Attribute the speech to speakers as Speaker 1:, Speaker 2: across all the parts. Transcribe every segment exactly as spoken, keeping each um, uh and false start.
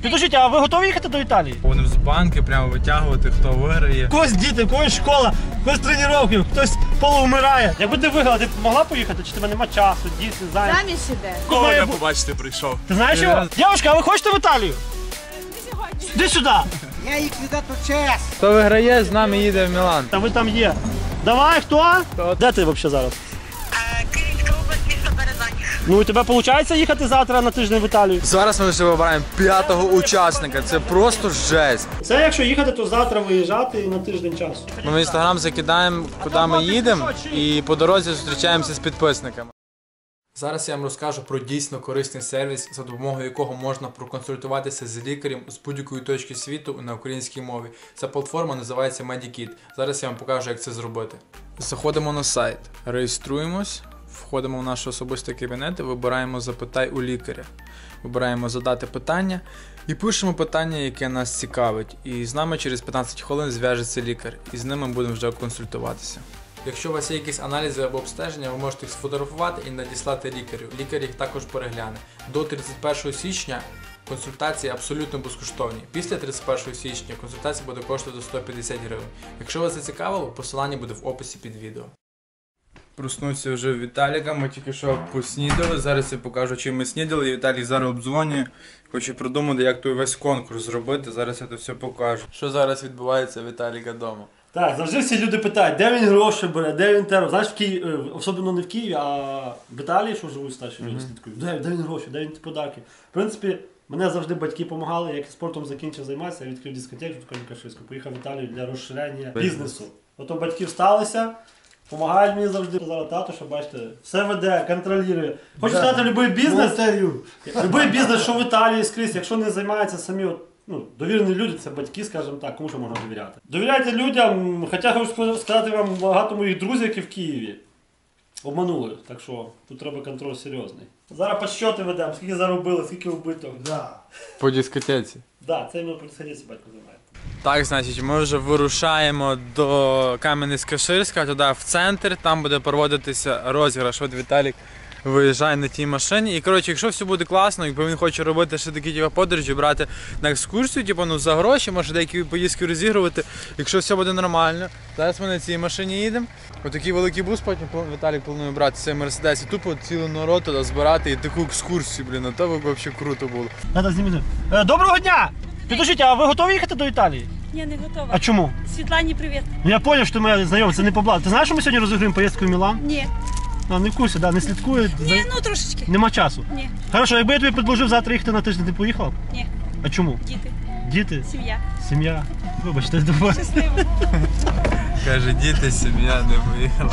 Speaker 1: Підождіть, а ви готові їхати до Італії?
Speaker 2: Будемо з банки прямо витягувати, хто виграє.
Speaker 1: Когось діти, когось школа, когось тренування, хтось полуумирає. Якби ти виграла, ти б могла поїхати, чи тебе нема часу, діти, зайняті?
Speaker 3: Заміж іде.
Speaker 2: Кого я побачити прийшов?
Speaker 1: Ти знаєш його? Дівчинка, а ви хочете в Італію?
Speaker 3: Не сьогодні.
Speaker 1: Іди сюди.
Speaker 4: Я ліквідатор ЧС.
Speaker 2: Хто виграє, з нами їде в Мілан.
Speaker 1: Та ви там є. Давай, хто?
Speaker 2: Хто?
Speaker 1: Де ти взагалі зараз?
Speaker 5: Київська область, місто Березань.
Speaker 1: Ну і тебе виходить їхати завтра на тиждень в Італію?
Speaker 6: Зараз ми вже вибираємо п'ятого учасника. Це просто жесть.
Speaker 1: Це якщо їхати, то завтра виїжджати і на тиждень часу.
Speaker 6: Ми в інстаграм закидаємо, куди ми їдемо, і по дорозі зустрічаємося з підписниками. Зараз я вам розкажу про дійсно корисний сервіс, за допомогою якого можна проконсультуватися з лікарем з будь-якої точки світу на українській мові. Ця платформа називається Medikit. Зараз я вам покажу, як це зробити. Заходимо на сайт, реєструємось, входимо в наш особистий кабінет і вибираємо «Запитай у лікаря». Вибираємо «Задати питання» і пишемо питання, яке нас цікавить. І з нами через п'ятнадцять хвилин зв'яжеться лікар, і з ним ми будемо вже консультуватися. Якщо у вас є якісь аналізи або обстеження, ви можете їх сфотографувати і надіслати лікарю. Лікар їх також перегляне. До тридцять першого січня консультації абсолютно безкоштовні. Після тридцять першого січня консультація буде коштувати сто п'ятдесят гривень. Якщо вас зацікавило, посилання буде в описі під відео.
Speaker 2: Проснувся вже в Віталіка, ми тільки що поснідали. Зараз я покажу, чим ми снідали. І Віталій зараз обдзвонює. Хоче придумати, як той весь конкурс зробити. Зараз я це все покажу. Що зараз відбувається у Віталіка вдома?
Speaker 1: Так, завжди всі люди питають, де він гроші бере, де він терор. Знаєш, в Києві, особливо не в Києві, а в Італії, що живуть старші люди, слідкують. Де, де він гроші, де він ті подарки. В принципі, мене завжди батьки допомагали, як спортом закінчив займатися, я відкрив дискотеку в Кам'янка-Ширську, поїхав в Італію для розширення бізнесу. Ото батьки всталися, допомагають мені завжди. Зараз тато, що бачите, все веде, контролює. Хочу сказати, будь-який бізнес, будь-який бізнес, що в Італії скрізь, якщо не займаються самі от, ну, довірені люди, це батьки, скажімо так, кому що можна довіряти. Довіряйте людям, хоча хочу сказати вам, багато моїх друзів, які в Києві, обманули, так що тут треба контроль серйозний. Зараз підсчоти ведемо, скільки заробили, скільки вбито. Да.
Speaker 2: По дискотеці.
Speaker 1: Так, да, це іменно по дискотеці батько займає.
Speaker 2: Так, значить, ми вже вирушаємо до Кам'янець-Каширська, туди в центр, там буде проводитися розіграш. От Віталік виїжджає на тій машині. І, коротше, якщо все буде класно, якби він хоче робити ще такі типу, подорожі, брати на екскурсію, типу, ну, за гроші, може деякі поїздки розігрувати, якщо все буде нормально. Зараз ми на цій машині їдемо. Отакий великий бус, потім Віталік планує брати цей Мерседес і тупо цілу народ туди збирати і таку екскурсію, блін, а то би взагалі круто було.
Speaker 1: Надо знімати. Е, доброго дня! Підождіть, а ви готові їхати до Італії?
Speaker 3: Я не готова.
Speaker 1: А чому?
Speaker 3: Світлані, привіт.
Speaker 1: Ну я зрозумів, що моя знайома, це не по блату. Ти знаєш, що ми сьогодні розіграємо поїздку в Мілан?
Speaker 3: Ні.
Speaker 1: А, не в курсі, да, не слідкує.
Speaker 3: Ні, ну трошечки.
Speaker 1: Нема часу.
Speaker 3: Ні.
Speaker 1: Хорошо, якби я тобі предложив завтра їхати на тиждень, ти поїхав?
Speaker 3: Ні.
Speaker 1: А чому?
Speaker 3: Діти.
Speaker 1: Діти?
Speaker 3: Сім'я.
Speaker 1: Сім'я. Вибачте, давай.
Speaker 3: Щасливо.
Speaker 2: Каже, діти, сім'я не поїхала.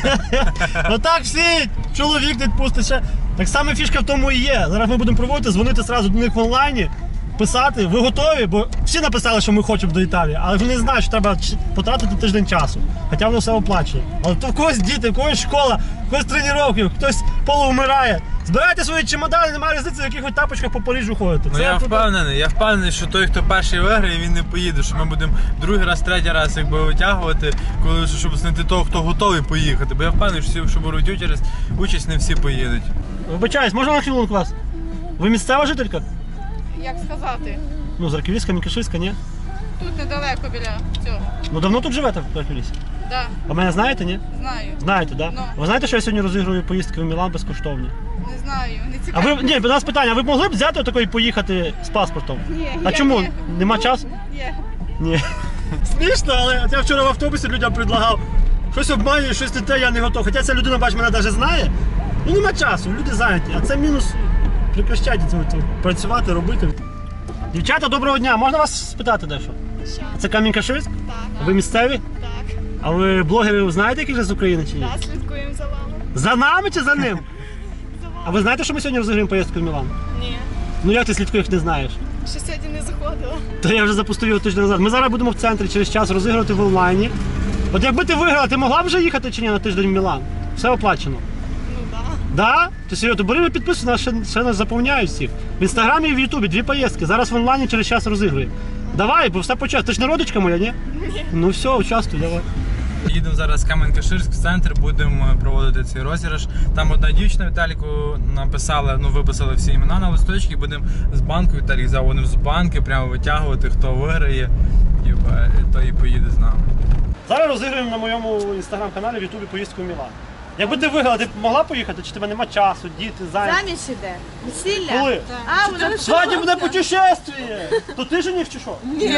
Speaker 1: Ну так всі, чоловік не відпустить ще. Так само фішка в тому і є. Зараз ми будемо проводити, дзвонити одразу до них в онлайні, писати, ви готові? Бо всі написали, що ми хочемо до Італії, але вони знають, що треба потратити тиждень часу. Хоча воно все оплачує. Але то в когось діти, в когось школа, в когось тренування, хтось полуумирає. Збирайте свої чемодани, немає різниці, в яких ви тапочках по Парижу ходите.
Speaker 2: Ну
Speaker 1: Це
Speaker 2: я
Speaker 1: туди...
Speaker 2: впевнений, я впевнений, що той, хто перший виграє, він не поїде, що ми будемо другий раз, третій раз якби витягувати, коли щоб знайти того, хто готовий поїхати. Бо я впевнений, що всі, що беруть участь, участь не всі поїдуть.
Speaker 1: Вибачаюсь, можна на хвилинку вас? Ви місцева жителька?
Speaker 7: Як сказати?
Speaker 1: Ну, з Арківська, Мікаширська, ні?
Speaker 7: Тут недалеко біля цього.
Speaker 1: Ну давно тут живете в Арківську?
Speaker 7: Да,
Speaker 1: А мене знаєте, ні?
Speaker 7: знаю.
Speaker 1: Знаєте, так? Да?
Speaker 7: Ну.
Speaker 1: Ви знаєте, що я сьогодні розігрую поїздки в Мілан безкоштовні?
Speaker 7: Не знаю, не
Speaker 1: А
Speaker 7: цікаво.
Speaker 1: ви, ні, у нас питання, а ви б могли б взяти отакої і поїхати з паспортом?
Speaker 7: Ні,
Speaker 1: А
Speaker 7: я
Speaker 1: чому?
Speaker 7: ні.
Speaker 1: Нема
Speaker 7: Ну,
Speaker 1: часу?
Speaker 7: Є.
Speaker 1: Ні. Смішно, але я вчора в автобусі людям предлагав. Щось обманює, щось не те, я не готов. Хоча ця людина, бач, мене навіть знає. Ну нема часу, люди зайняті. А це мінус. Прекращайте це, це, працювати, робити. Дівчата, доброго дня. Можна вас спитати дещо?
Speaker 7: Що?
Speaker 1: Це Кам'янка-Ширськ?
Speaker 7: Так.
Speaker 1: Ви місцеві?
Speaker 7: Так.
Speaker 1: А ви блогерів знаєте, які вже з України чи ні?
Speaker 7: Так, слідкуємо за вами.
Speaker 1: За нами чи за ним?
Speaker 7: За вами.
Speaker 1: А ви знаєте, що ми сьогодні розіграємо поїздку в Мілан?
Speaker 7: Ні.
Speaker 1: Ну як ти слідкуєш, не знаєш?
Speaker 7: Ще сьогодні не заходила.
Speaker 1: То я вже запустив його тиждень назад. Ми зараз будемо в центрі через час розігрувати в онлайні. От якби ти виграла, ти могла б вже їхати чи ні на тиждень в Мілан? Все оплачено.
Speaker 7: Ну так.
Speaker 1: Да? Ти серйозно, бери підписуй, нас ще, ще нас заповняють всіх. В інстаграмі і в Ютубі дві поїздки. Зараз в онлайні через час розігрує. Давай, бо все почав. Ти ж не родичка моя, ні?
Speaker 7: Ні.
Speaker 1: Ну все, участвуй, давай.
Speaker 2: Їдемо зараз в Кам'янка-Ширськ в центр, будемо проводити цей розіграш. Там одна дівчина Віталіку написала, ну виписали всі імена на листочки, будемо з банку, Віталік взяв вони з банки, прямо витягувати, хто виграє, і той і поїде з нами.
Speaker 1: Зараз розіграємо на моєму інстаграм-каналі в Ютубі поїздку в Мілан. Якби ти виграла, ти б могла поїхати, чи тебе нема часу, діти, зайняті?
Speaker 7: Заміж іде. Весілля.
Speaker 1: Коли?
Speaker 7: А, вже
Speaker 1: Свадібне путешествие! То ти жених чи що?
Speaker 7: Ні.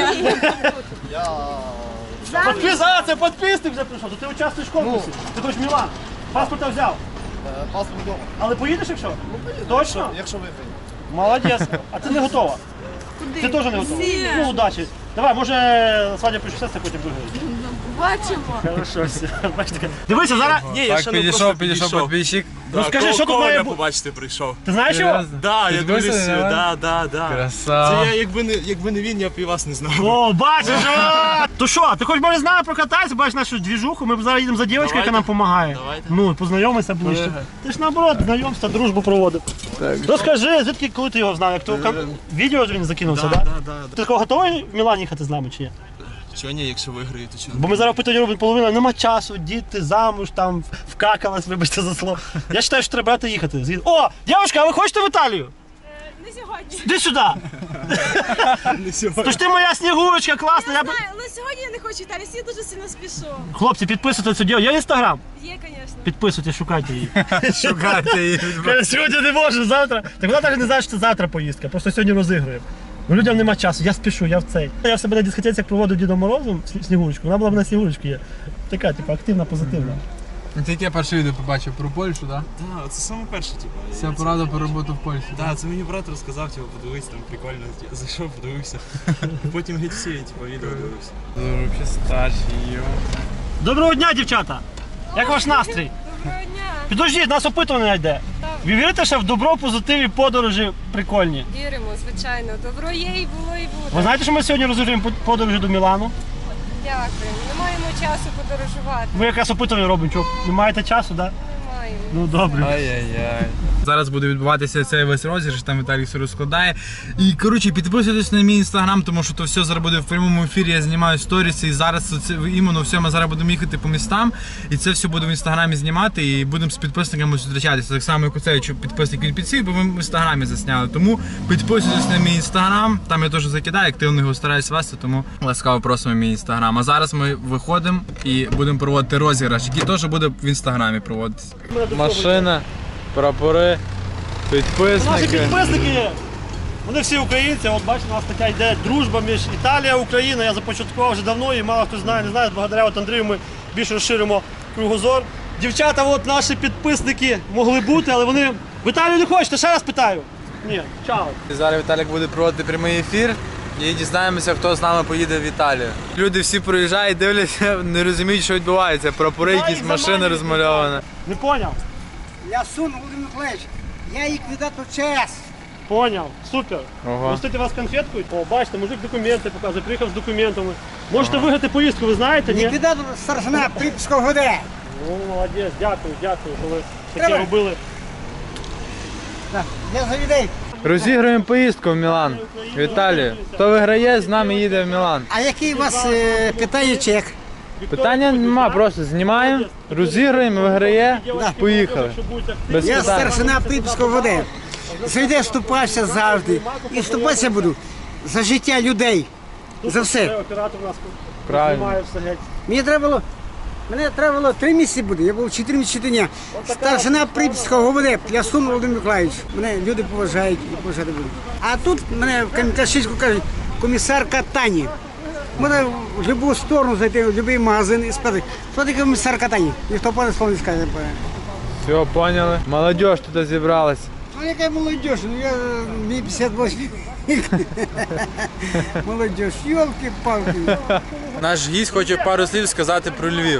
Speaker 1: Подпис... А, це підписник вже прийшов, то ти участвуєш в конкурсі. Ти хочеш в Мілан. Паспорта взяв.
Speaker 8: Паспорт вдома.
Speaker 1: Але поїдеш якщо? Точно?
Speaker 8: Якщо виграю.
Speaker 1: Молодець. А ти не готова?
Speaker 7: Куди?
Speaker 1: Ти теж не готова?
Speaker 7: Весілля.
Speaker 1: Ну, удачі. Давай, може, свадібне путешествие потім виграєш.
Speaker 7: Бачимо.
Speaker 1: Хорошо, все. Бачите. Дивися, зараз... Ні,
Speaker 2: Так, підійшов, підійшов підписчик.
Speaker 1: Ну скажи, що тут має бути?
Speaker 9: побачити прийшов.
Speaker 1: Ти знаєш його?
Speaker 9: Да, я
Speaker 2: Підписаний,
Speaker 9: дивлюсь,
Speaker 2: да?
Speaker 9: да, да, да.
Speaker 2: Красава.
Speaker 9: Це я, якби не, якби не він, я б і вас не знав.
Speaker 1: О, бачиш! о! То що, ти хоч може з нами прокататися, бачиш нашу двіжуху, ми зараз їдемо за дівчинкою, яка
Speaker 9: Давайте.
Speaker 1: нам допомагає.
Speaker 9: Давайте.
Speaker 1: Ну, познайомися ближче. Ти ж наоборот, знайомство, дружбу проводив. Розкажи, звідки, коли ти його знав? Як то в відео він закинувся,
Speaker 9: Да,
Speaker 1: так?
Speaker 9: да, да, да.
Speaker 1: Ти такого готовий в Мілан їхати з нами чи ні?
Speaker 9: Чого ні, якщо виграю, то чого?
Speaker 1: Бо ми зараз опитування робимо половина, нема часу, діти, замуж, там, вкакалась, вибачте за слово. Я вважаю, що треба брати їхати. Згід- О, дівчинка, а ви хочете в Італію?
Speaker 3: Не сьогодні.
Speaker 1: Іди сюди.
Speaker 9: Не сьогодні.
Speaker 1: Тож ти моя снігурочка, класна. Я б...
Speaker 3: Знаю, але сьогодні я не хочу Італії, я дуже сильно спішу.
Speaker 1: Хлопці, підписуйте цю дівчинку. Є інстаграм?
Speaker 3: Є, звісно.
Speaker 1: Підписуйте, шукайте її.
Speaker 2: Шукайте її.
Speaker 1: Каже, сьогодні не можу, завтра. Так вона навіть не знає, що це завтра поїздка, просто сьогодні розігруємо. Ну людям нема часу, я спішу, я в цей. Я в себе на дискотеці як проводив Дідом Морозом сні- Снігурочку, вона була б на Снігурочці є. Така, типу, активна, позитивна.
Speaker 6: Це яке перше відео побачив про Польщу, так?
Speaker 9: Да, це саме перше, типу.
Speaker 6: Вся порада про роботу в Польщі.
Speaker 9: Да, це мені брат розказав, типу, подивись, там прикольно. Я зайшов, подивився. Потім геть всі, типу, відео дивився.
Speaker 2: Взагалі старший, йо.
Speaker 1: Доброго дня, дівчата! Як ваш настрій?
Speaker 3: Доброго дня.
Speaker 1: Підождіть, нас опитування йде. Ви вірите, що в добро, позитиві, подорожі прикольні?
Speaker 3: Віримо, звичайно. Добро є і було, і буде.
Speaker 1: Ви знаєте, що ми сьогодні розігруємо по- подорожі до Мілану?
Speaker 3: Дякуємо. Не маємо часу подорожувати.
Speaker 1: Ми якраз опитування робимо, що не маєте часу, так? Да?
Speaker 3: Не маємо.
Speaker 1: Ну добре.
Speaker 2: Ай-яй-яй. Зараз буде відбуватися цей весь розіграш, там Віталій все розкладає. І коротше, підписуйтесь на мій інстаграм, тому що то все зараз буде в прямому ефірі, я знімаю сторіси, і зараз це іменно все, ми зараз будемо їхати по містам, і це все буду в інстаграмі знімати, і будемо з підписниками зустрічатися. Так само, як оцей підписник від підсів, бо ми в інстаграмі засняли. Тому підписуйтесь на мій інстаграм, там я теж закидаю, активно його стараюсь вести, тому ласкаво просимо мій інстаграм. А зараз ми виходимо і будемо проводити розіграш, який теж буде в інстаграмі проводитися. Машина, прапори,
Speaker 1: Наші
Speaker 2: підписники.
Speaker 1: підписники, вони всі українці, от бачите, у нас така йде дружба між Італія і Україна. Я започаткував вже давно і мало хто знає, не знає. Благодаря от Андрію ми більше розширимо кругозор. Дівчата, от наші підписники могли бути, але вони в Італію не хочете, ще раз питаю. Ні, чао.
Speaker 2: Зараз Віталік буде проводити прямий ефір і дізнаємося, хто з нами поїде в Італію. Люди всі проїжджають, дивляться, не розуміють, що відбувається. Прапори, якісь машини розмальовані.
Speaker 1: Не поняв?
Speaker 4: Я Сун Володимир Миколаївич, я ліквідатор ЧАЕС.
Speaker 1: Поняв, супер.
Speaker 2: Ого.
Speaker 1: Пустити вас конфеткою? О, бачите, мужик документи показує, приїхав з документами. Можете виграти поїздку, ви знаєте, ні?
Speaker 4: Ліквідатор старшина Припського ГД.
Speaker 1: О, молодець, дякую, дякую, коли таке
Speaker 4: Треба.
Speaker 1: робили.
Speaker 4: Так, Я за людей.
Speaker 2: Розіграємо поїздку в Мілан. В Італію. Хто виграє, з нами їде в Мілан.
Speaker 4: А який у вас е, питання чек?
Speaker 2: Питання нема, просто знімаємо, розіграємо, виграє, поїхали. Без
Speaker 4: Я
Speaker 2: питань.
Speaker 4: старшина Припського ГД. За людей вступався завжди. І вступатися буду за життя людей. За все.
Speaker 1: Оператор у нас
Speaker 2: Правильно.
Speaker 1: знімає все геть.
Speaker 4: Мені треба було, мене треба було три місяці буде, я був чотири місяці дня. Старшина Припського ГУВД, Плясун Володимир Миколаївич. Мене люди поважають і поважати будуть. А тут мене в Кам'янка-Ширську кажуть, комісар катання. Можна в будь-яку сторону зайти, в будь-який магазин і спитати, хто такий комісар катання? Ніхто пане слово не скаже.
Speaker 2: Все, поняли. Молодіж тут зібралась.
Speaker 4: Ну яка молодіж, ну я мені п'ятдесят восемь. Молодіж, йолки-палки.
Speaker 2: Наш гість хоче пару слів сказати про Львів.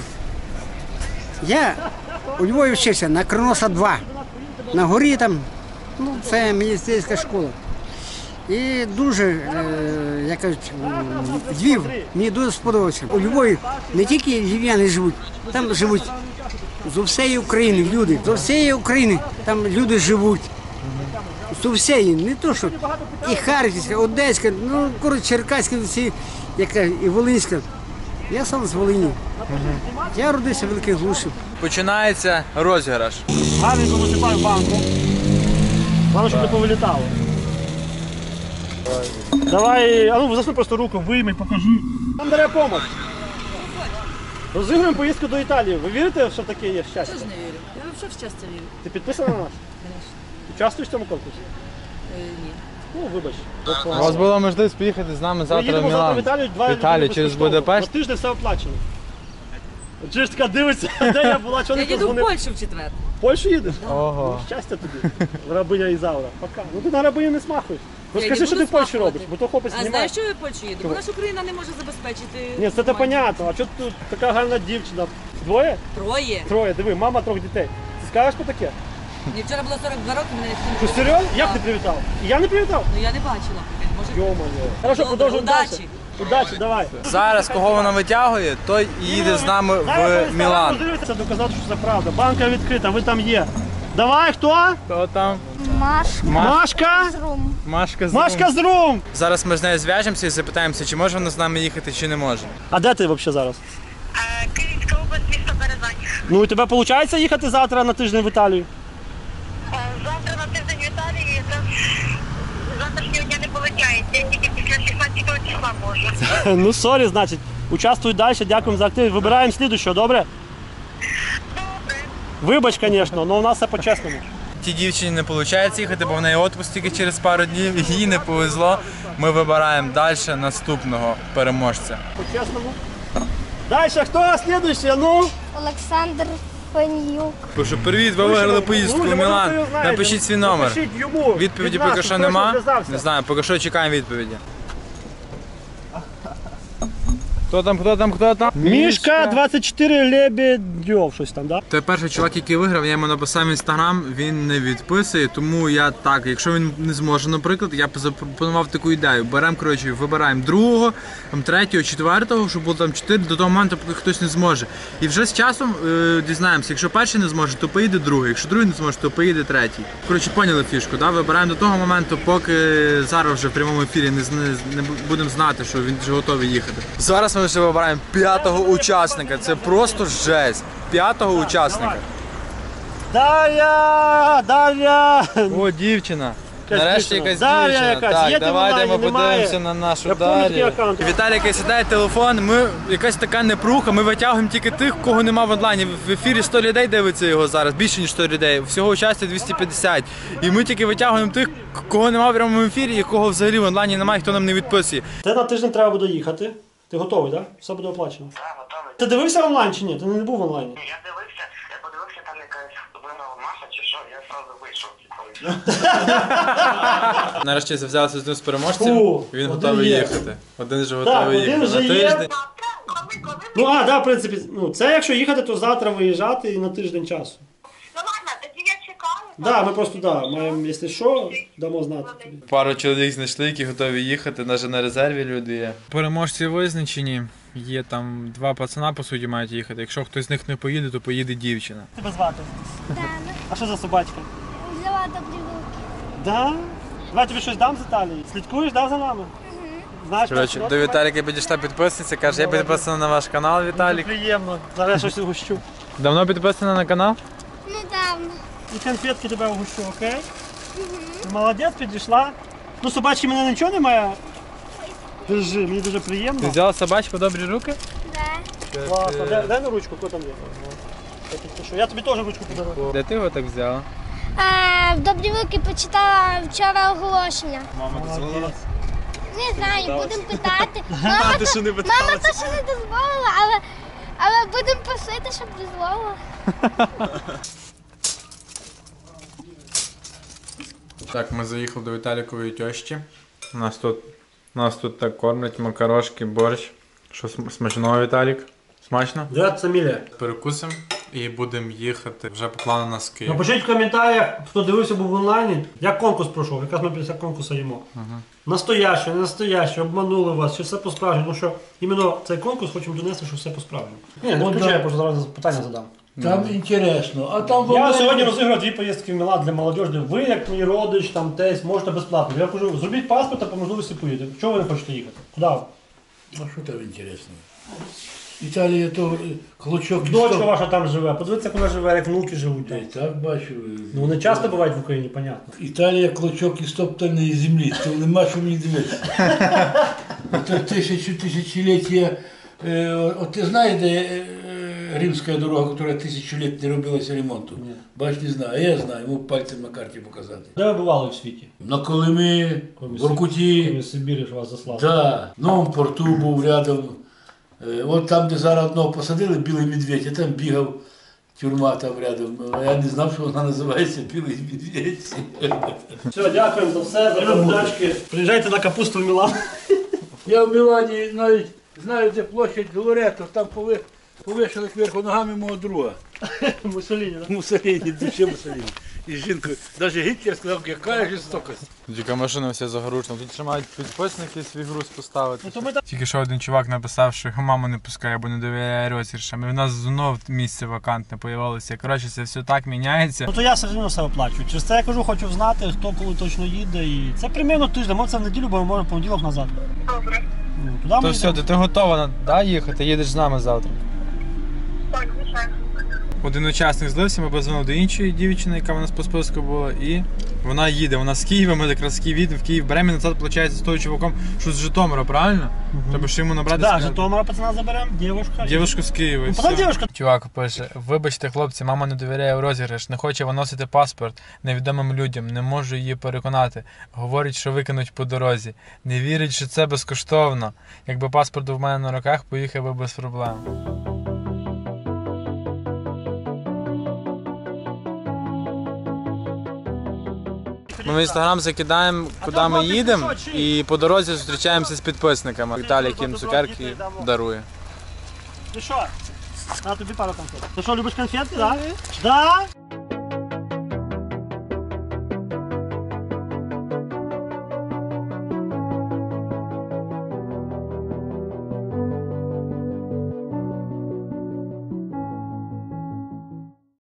Speaker 4: Я у Львові вчився на Кроноса два. На горі там, ну це міністерська школа. І дуже, е, як кажуть, м, Львів мені дуже сподобався. У Львові не тільки львів'яни живуть, там живуть з усієї України люди. З усієї України там люди живуть. З усієї, не то що і Харківська, Одеська, ну коротше Черкаська, всі, яка і Волинська. Я сам з Волині. Я родився в Великій Глуші.
Speaker 2: Починається розіграш.
Speaker 1: Гарненько висипаю банку. Главное, щоб не повилітало. Давай, а ну засунь просто руку, вийми, покажи. Нам бере допомога. Розігруємо поїздку до Італії. Ви вірите, що таке є щастя?
Speaker 7: Я ж не вірю. Я взагалі в щастя вірю.
Speaker 1: Ти підписана на нас?
Speaker 7: Звісно.
Speaker 1: Участвуєш в цьому конкурсі?
Speaker 7: Е, ні.
Speaker 1: Ну, вибач.
Speaker 2: У вас була можливість поїхати з нами
Speaker 1: Ми
Speaker 2: завтра в
Speaker 1: їдемо завтра в
Speaker 2: Мілан.
Speaker 1: Італію, два
Speaker 2: В Італію
Speaker 1: дні
Speaker 2: через
Speaker 1: безкоштовно.
Speaker 2: Будапешт.
Speaker 1: На тиждень все оплачено. Чи ж така дивиться, де я була, чого
Speaker 7: Я
Speaker 1: не
Speaker 7: їду в
Speaker 1: позвонив?
Speaker 7: Польщу в четвер.
Speaker 1: В Польщу їдеш?
Speaker 2: Ого.
Speaker 1: Щастя тобі, рабиня Ізаура. Пока. Ну ти на рабиню не смахуєш.
Speaker 7: Я
Speaker 1: Розкажи,
Speaker 7: не
Speaker 1: що ти
Speaker 7: буду
Speaker 1: в Польщі
Speaker 7: смахувати.
Speaker 1: робиш, бо то хлопець
Speaker 7: А
Speaker 1: знімає.
Speaker 7: знаєш, що я в Польщу їду? Бо
Speaker 1: Чого?
Speaker 7: наша Україна не може забезпечити.
Speaker 1: Ні, це то
Speaker 7: нормально.
Speaker 1: понятно. А чого тут така гарна дівчина? Двоє?
Speaker 7: Троє.
Speaker 1: Троє, диви, мама трьох дітей. Ти скажеш по таке?
Speaker 7: Мені вчора було сорок два роки, мене
Speaker 1: Що,
Speaker 7: всім.
Speaker 1: серйозно? Як ти привітав? І я не привітав?
Speaker 7: Ну я не бачила. Може.
Speaker 1: Йо-моє. Хорошо,
Speaker 7: Добре,
Speaker 1: продовжуємо далі.
Speaker 7: удачі.
Speaker 1: Удачі, давай.
Speaker 2: Зараз кого вона витягує, той і їде з нами в Мілан.
Speaker 1: Це доказати, що це правда. Банка відкрита, ви там є. Давай, хто?
Speaker 2: Хто там?
Speaker 1: Машка.
Speaker 2: Машка з
Speaker 1: Машка з Рум.
Speaker 2: Зараз ми з нею зв'яжемося і запитаємося, чи може вона з нами їхати, чи не може.
Speaker 1: А де ти взагалі зараз?
Speaker 5: Е, Київська область, місто Березань.
Speaker 1: Ну, у тебе виходить їхати завтра на тиждень в Італію?
Speaker 5: Е, Завтра на тиждень в Італії, це завтрашнього дня не полетяється, я тільки після шістнадцятого числа можу.
Speaker 1: Ну, сорі, значить. Участвуй далі, дякуємо за актив. Вибираємо слідуючого, добре?
Speaker 5: Добре.
Speaker 1: Вибач, звісно, але у нас все по-чесному.
Speaker 2: Тій дівчині не виходить їхати, бо в неї відпуск тільки через пару днів, їй не повезло. Ми вибираємо далі наступного переможця.
Speaker 1: По-чесному. Далі, хто слідуючий? Ну?
Speaker 8: Олександр Панюк.
Speaker 2: Пишу, привіт, ви виграли поїздку в
Speaker 1: Друзі, може,
Speaker 2: Мілан.
Speaker 1: хто його знає.
Speaker 2: Напишіть свій номер.
Speaker 1: Напишіть йому.
Speaker 2: Відповіді
Speaker 1: Від нас,
Speaker 2: поки що
Speaker 1: хто
Speaker 2: нема.
Speaker 1: зв'язався.
Speaker 2: Не знаю, поки що чекаємо відповіді. Хто там, хто там, хто там?
Speaker 1: Мішка двадцять чотири Лебедьов, щось там, да?
Speaker 2: Той перший чувак, який виграв, я йому написав в інстаграм, він не відписує, тому я так, якщо він не зможе, наприклад, я б запропонував таку ідею. Беремо, коротше, вибираємо другого, там, третього, четвертого, щоб було там чотири, до того моменту, поки хтось не зможе. І вже з часом е, дізнаємося, якщо перший не зможе, то поїде другий, якщо другий не зможе, то поїде третій. Коротше, поняли фішку, да? Вибираємо до того моменту, поки зараз вже в прямому ефірі не, не, не будемо знати, що він вже готовий їхати. Зараз ми вже вибираємо п'ятого учасника, це просто жесть. П'ятого учасника.
Speaker 1: Дар'я! Дар'я!
Speaker 2: О, дівчина.
Speaker 1: Якась
Speaker 2: Нарешті
Speaker 1: дівчина.
Speaker 2: якась
Speaker 1: Дар'я
Speaker 2: дівчина.
Speaker 1: якась.
Speaker 2: Так,
Speaker 1: Є ти в
Speaker 2: давайте ми
Speaker 1: онлайні? Немає?
Speaker 2: подивимося на нашу
Speaker 1: Я пам'ятаю такий
Speaker 2: Дар'ю.
Speaker 1: аккаунт.
Speaker 2: Віталій сідає телефон, ми якась така непруха, ми витягуємо тільки тих, кого нема в онлайні. В ефірі сто людей дивиться його зараз, більше ніж сто людей. Всього участі двісті п'ятдесят. І ми тільки витягуємо тих, кого нема в прямому ефірі і кого взагалі в онлайні немає, хто нам не відписує.
Speaker 1: Ти на тиждень треба буде їхати. Ти готовий, так? Да? Все буде оплачено.
Speaker 5: Так, готовий.
Speaker 1: Ти дивився онлайн чи ні? Ти не був в онлайні?
Speaker 5: Я дивився, я подивився, там якась виграла Маша чи що, я одразу вийшов.
Speaker 2: Нарешті зв'язався з ним з переможцем,
Speaker 1: Фу,
Speaker 2: він
Speaker 1: один
Speaker 2: готовий
Speaker 1: є.
Speaker 2: їхати. Один же
Speaker 1: Так,
Speaker 2: готовий
Speaker 1: один
Speaker 2: їхати
Speaker 1: вже
Speaker 2: на
Speaker 1: є.
Speaker 2: тиждень.
Speaker 5: Коли, коли?
Speaker 1: Ну, а, да, в принципі, ну, це якщо їхати, то завтра виїжджати і на тиждень часу.
Speaker 5: Ну ладно, тоді я чекаю.
Speaker 1: Да, ми просто, да, маємо, якщо що, дамо знати тобі.
Speaker 2: Пару чоловік знайшли, які готові їхати, навіть на резерві люди є. Переможці визначені. Є там два пацана, по суті, мають їхати. Якщо хтось з них не поїде, то поїде дівчина.
Speaker 1: Тебе звати?
Speaker 8: Дана.
Speaker 1: А що за собачка?
Speaker 8: Взяла добрі руки.
Speaker 1: Да? Давай тобі щось дам з Італії. Слідкуєш, да, за нами? Знаєш,
Speaker 2: Коротше,
Speaker 1: що
Speaker 2: до Віталіка підійшла підписниця, каже, я підписана на ваш канал, Віталік.
Speaker 1: Приємно. Зараз я щось угощу.
Speaker 2: Давно підписана на канал?
Speaker 8: Недавно.
Speaker 1: І конфетки тебе угощу, окей? Ти молодець, підійшла. Ну, собачки мене нічого немає. Держи, мені дуже
Speaker 2: Ти
Speaker 1: приємно.
Speaker 2: взяла собачку добрі руки?
Speaker 8: Да.
Speaker 1: Класно. Дай, дай на ручку, хто там є. Я підпишу. Я тобі теж ручку подарую.
Speaker 2: Де ти його так взяла?
Speaker 8: А, в добрі руки почитала вчора оголошення.
Speaker 1: Молодець.
Speaker 8: Не знаю, будемо питати. Мама, то, мама то ще не дозволила, але, але будемо просити, щоб дозволила.
Speaker 2: Так, ми заїхали до Віталікової тьощі. У нас тут, нас тут так кормлять макарошки, борщ. Що см- смачного, Віталік? Смачно?
Speaker 1: Дядь Саміля.
Speaker 2: Перекусимо і будемо їхати вже по плану на Київ.
Speaker 1: Напишіть в коментарях, хто дивився був в онлайні, як конкурс пройшов, якраз ми після конкурсу їмо. Настояще, не настояще, обманули вас, чи все по-справжньому. Ну що, іменно цей конкурс хочемо донести, що все по-справжньому. Ні, не включай, я просто зараз питання задам.
Speaker 10: Там інтересно. А там
Speaker 1: Я
Speaker 10: вони-
Speaker 1: сьогодні розіграв дві поїздки в Мілан для молодіжі. Ви, як мій родич, там тесть, можете безплатно. Я кажу, зробіть паспорт, а по можливості поїдете. Чого ви не хочете їхати? Куди?
Speaker 10: А що там інтересно? Італія то клочок.
Speaker 1: Дочка ваша там живе, подивіться, як вона живе, як внуки живуть.
Speaker 10: Та й
Speaker 1: там.
Speaker 10: так бачу.
Speaker 1: Ну вони часто бувають в Україні, понятно.
Speaker 10: Італія клочок із топтаної землі, то нема що мені дивитися. Це тисячу тисячоліття. Е, от ти знаєш, де е, римська дорога, яка тисячу років не робилася ремонту?
Speaker 1: Ні.
Speaker 10: Бач, не знаю, а я знаю, можу пальцем на карті показати.
Speaker 1: Де ви бували в світі?
Speaker 10: На Колимі, в Воркуті.
Speaker 1: Коли Сибірі ж вас заслали.
Speaker 10: Да, в Новому порту був рядом. Е, От там, де зараз одного посадили, білий медведь, я там бігав, тюрма там рядом. Я не знав, що вона називається Білий медведь.
Speaker 1: Все, дякуємо за все, за передачки. Приїжджайте на капусту в Мілан.
Speaker 10: Я в Мілані навіть знаю, де площадь Лоретто, там пови- повішали кверху ногами мого друга.
Speaker 1: Мусоліні, так?
Speaker 10: Муссоліні, душе Муссоліні. І з жінкою. Навіть Гітлер сказав, яка жорстокость.
Speaker 2: Тільки машина вся загружена. Тут ще мають підписники свій груз поставити.
Speaker 1: Ну, то ми там-
Speaker 2: Тільки що один чувак написав, що його мама не пускає, бо не довіряє розіграшам. І в нас знов місце вакантне появилося. Коротше, це все так міняється.
Speaker 1: Ну то я все одно все оплачую. Через це я кажу, хочу знати, хто коли точно їде. І це примерно тиждень, може це в неділю, бо ми можемо в понеділок назад.
Speaker 5: Добре.
Speaker 1: Ну, туди ми
Speaker 2: То все,
Speaker 1: йдемо.
Speaker 2: ти готова да, їхати, їдеш з нами завтра.
Speaker 5: Так, звичайно.
Speaker 2: Один учасник злився, ми позвонили до іншої дівчини, яка в нас по списку була, і вона їде. Вона з Києва, ми якраз з Києва їдемо, в Київ беремо і назад, виходить, з того чуваком, що з Житомира, правильно? Треба ж йому набрати.
Speaker 1: Да,
Speaker 2: сказати.
Speaker 1: Житомира пацана заберемо, дівушка.
Speaker 2: Дівушку з Києва. і
Speaker 1: Ну,
Speaker 2: все.
Speaker 1: вона дівушка.
Speaker 2: Чувак пише: вибачте, хлопці, мама не довіряє у розіграш, не хоче виносити паспорт невідомим людям, не можу її переконати. Говорить, що викинуть по дорозі. Не вірить, що це безкоштовно. Якби паспорт був в мене на руках, поїхав би без проблем. Ми в інстаграм закидаємо, куди ми їдемо, і по дорозі зустрічаємося з підписниками. Віталій, яким цукерки дарує.
Speaker 1: Ти що? На тобі пару конфет. Ти що, любиш конфетки, так? Да? Да?